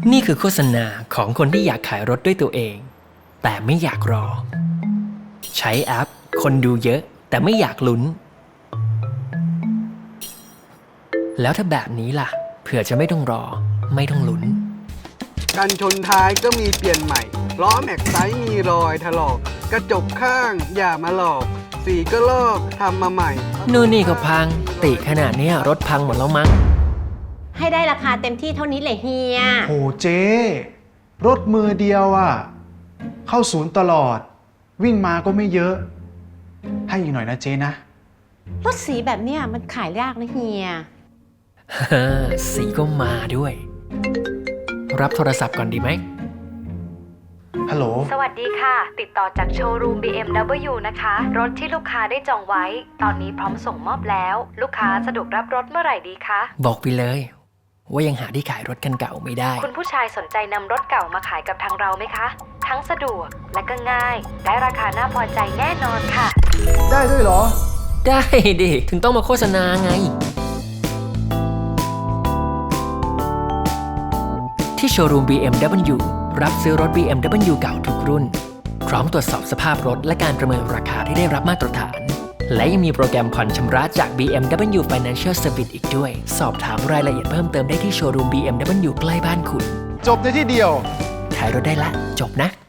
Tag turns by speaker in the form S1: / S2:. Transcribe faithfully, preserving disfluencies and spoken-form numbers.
S1: นี่คือโฆษณาของคนที่อยากขายรถด้วยตัวเองแต่ไม่อยากรอใช้แอปคนดูเยอะแต่ไม่อยากลุ้นแล้วถ้าแบบนี้ล่ะเผื่อจะไม่ต้องรอไม่ต้องลุ้น
S2: กันชนท้ายก็มีเปลี่ยนใหม่ล้อแม็กไซส์มีรอยถลอกกระจกข้างอย่ามาหลอกสีก็ลอกทำมาใหม่
S1: นู่นนี่ก็พังติขนาดนี้รถพังหมดแล้วมั้ง
S3: ให้ได้ราคาเต็มที่เท่านี้เลยเฮีย
S4: โหเจ๊รถมือเดียวอ่ะเข้าศูนย์ตลอดวิ่งมาก็ไม่เยอะให้อีกหน่อยนะเจ๊นะ
S3: รถสีแบบเนี้ยมันขายยากนะเฮีย
S1: ฮ่าสีก็มาด้วยรับโทรศัพท์ก่อนดีไหม
S4: ฮัลโหล
S5: สวัสดีค่ะติดต่อจากโชว์รูม บี เอ็ม ดับเบิลยู นะคะรถที่ลูกค้าได้จองไว้ตอนนี้พร้อมส่งมอบแล้วลูกค้าสะดวกรับรถเมื่อไหร่ดีคะ
S1: บอกไปเลยว่ายังหาที่ขายรถคันเก่าไม่ได้
S5: คุณผู้ชายสนใจนำรถเก่ามาขายกับทางเราไหมคะทั้งสะดวกและก็ง่ายได้ราคาน่าพอใจแน่นอนค่ะ
S4: ได้ด้วยเหรอ
S1: ได้ดิถึงต้องมาโฆษณาไงที่โชว์รูม บี เอ็ม ดับเบิลยู รับซื้อรถ บี เอ็ม ดับเบิลยู เก่าทุกรุ่นพร้อมตรวจสอบสภาพรถและการประเมินราคาที่ได้รับมาตรฐานและยังมีโปรแกรมผ่อนชำระจาก บี เอ็ม ดับเบิลยู Financial Service อีกด้วยสอบถามรายละเอียดเพิ่มเติมได้ที่โชว์รูม บี เอ็ม ดับเบิลยู ใกล้บ้านคุณ
S4: จบในที่เดียว
S1: ขายรถได้ละจบนะ